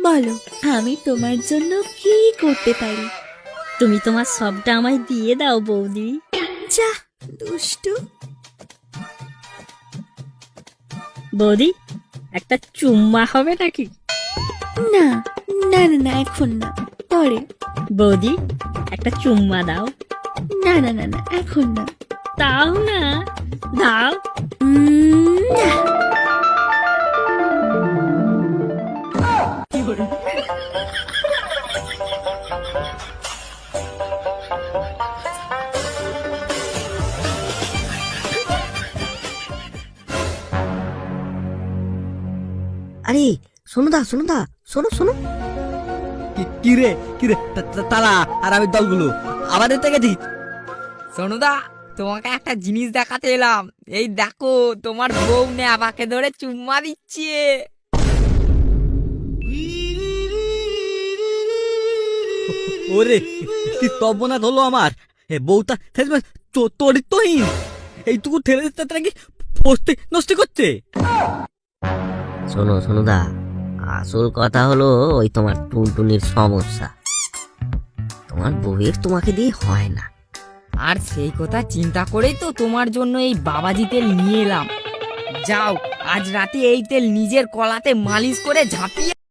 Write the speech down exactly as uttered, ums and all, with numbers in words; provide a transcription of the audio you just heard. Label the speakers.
Speaker 1: বলো আমি তোমার জন্য কি করতে পারি?
Speaker 2: তুমি তোমার সবটা আমায় দিয়ে দাও বৌদি।
Speaker 1: যা দুষ্টু।
Speaker 2: বৌদি একটা চুম্মা হবে নাকি?
Speaker 1: না না না না এখন না, পরে।
Speaker 2: বৌদি একটা চুম্মা দাও।
Speaker 1: না না না না এখন না।
Speaker 2: দাও না, দাও।
Speaker 1: উম, না।
Speaker 3: আরে শোনো দা শোনো দা শোনো শোনো।
Speaker 4: কি রে কি রে তারা আর আমি দলগুলো আবার এতে গেছি।
Speaker 5: সোনুদা, তোমাকে একটা জিনিস দেখাতে এলাম। এই দেখো, তোমার বউ নেবাকে ধরে চুম্মা দিচ্ছে।
Speaker 4: ওরে কি তবনাথ হলো আমার। এ বউটা চরিত্রহীন, এইটুকু ঠেলে দিতে নাকি ফস্তি নষ্ট করছে।
Speaker 3: শোনো শোনো দা, আসল কথা হলো ওই তোমার টুনটুনির সমস্যা। তোমার বউয়ের তোমাকে দিয়ে হয় না।
Speaker 5: আর সেই কথা চিন্তা করেই তো তোমার জন্য এই বাবাজি তেল নিয়ে এলাম। যাও, আজ রাতে এই তেল নিজের কলাতে মালিশ করে ঝাঁপিয়ে